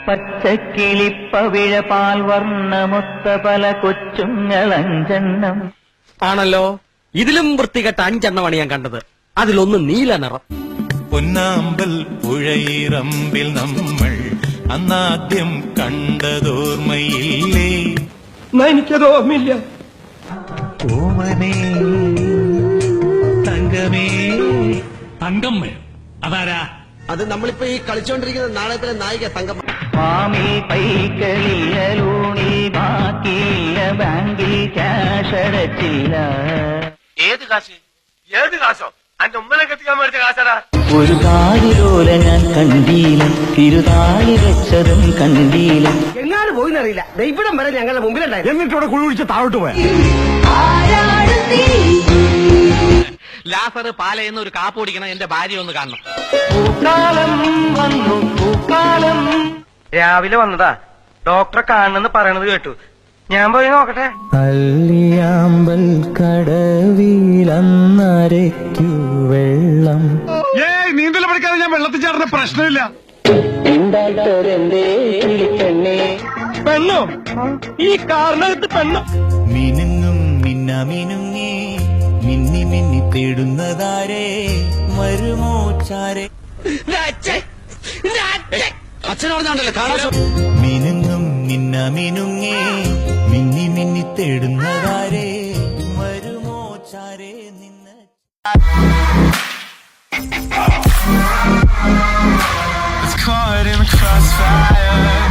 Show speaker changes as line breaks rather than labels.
പച്ചക്കിളിപ്പവിഴ പാൽ വർണ്ണമൊത്ത പല കൊച്ചുങ്ങളഞ്ചെണ്ണം
ആണല്ലോ. ഇതിലും വൃത്തികെട്ട 5 എണ്ണമാണ് ഞാൻ കണ്ടത്. അതിലൊന്ന് നീല നിറം.
പൊന്നാമ്പൽ പുഴയിറമ്പിൽ നമ്മൾ അന്നാദ്യം കണ്ടതോർമ്മയില്ലേ?
എനിക്കത് ഓർമ്മയില്ല.
ഓമനേ തങ്കമേ.
തങ്കമ്മ അതാരാ?
അത് നമ്മളിപ്പോ ഈ കളിച്ചോണ്ടിരിക്കുന്ന നാടകത്തിലെ നായിക തങ്കമ്മ.
മാമിൽ പൈക്കളിലൂണി ബാക്കിയില്ല, ബാങ്കിൽ ക്യാഷ് അടച്ചില്ല.
ഏത് കാശ്? ഏത് കാശോ? അന്റെ ഉമ്മനെ കെട്ടിക്കാൻ മേടിച്ച കാശാടാ.
ഒരു കാലിലോല ഞാൻ കണ്ടീല, തിരുതാളി വെച്ചതും കണ്ടീല.
എങ്ങാനും പോയിന്നറിയില്ല. ഇവിടം വരെ ഞങ്ങളുടെ മുമ്പിലുണ്ടായിരുന്നു.
എന്നിട്ടോടെ കുഴി കുഴിച്ച് താഴോട്ട് പോയ
ലാസർ പാലയെന്ന് ഒരു കാപ്പ് ഓടിക്കണം. എന്റെ ഭാര്യ ഒന്ന് കാണണം.
പൂക്കാലം വന്നു പൂക്കാലം.
രാവിലെ വന്നതാ, ഡോക്ടറെ കാണണമെന്ന് പറയണത് കേട്ടു. ഞാൻ പോയി നോക്കട്ടെ.
അല്ലിയാമ്പൽ കടവിലന്നരയ്ക്കു വെള്ളം.
ഏയ് നീന്തൽ പഠിക്കാതെ ഞാൻ വെള്ളത്തിൽ ചാടുന്ന പ്രശ്നമില്ല.
ഉണ്ടായിട്ടൊരെന്തേ കിളിപ്പെണ്ണേ.
പെണ്ണോ? ഈ കാറിനകത്ത് പെണ്ണോ?
മിനുങ്ങും മിന്നമിനുങ്ങി മിന്നി മിന്നി തേടുന്നതാരേ വരുമോ ചാരേ?
അച്ഛനോടല്ലോ കാണാൻ.
മിനുങ്ങും മിന്നമിനുങ്ങി മിന്നി മിന്നി തേടുന്നതാരേ വരുമോ ചാരേ നിന്ന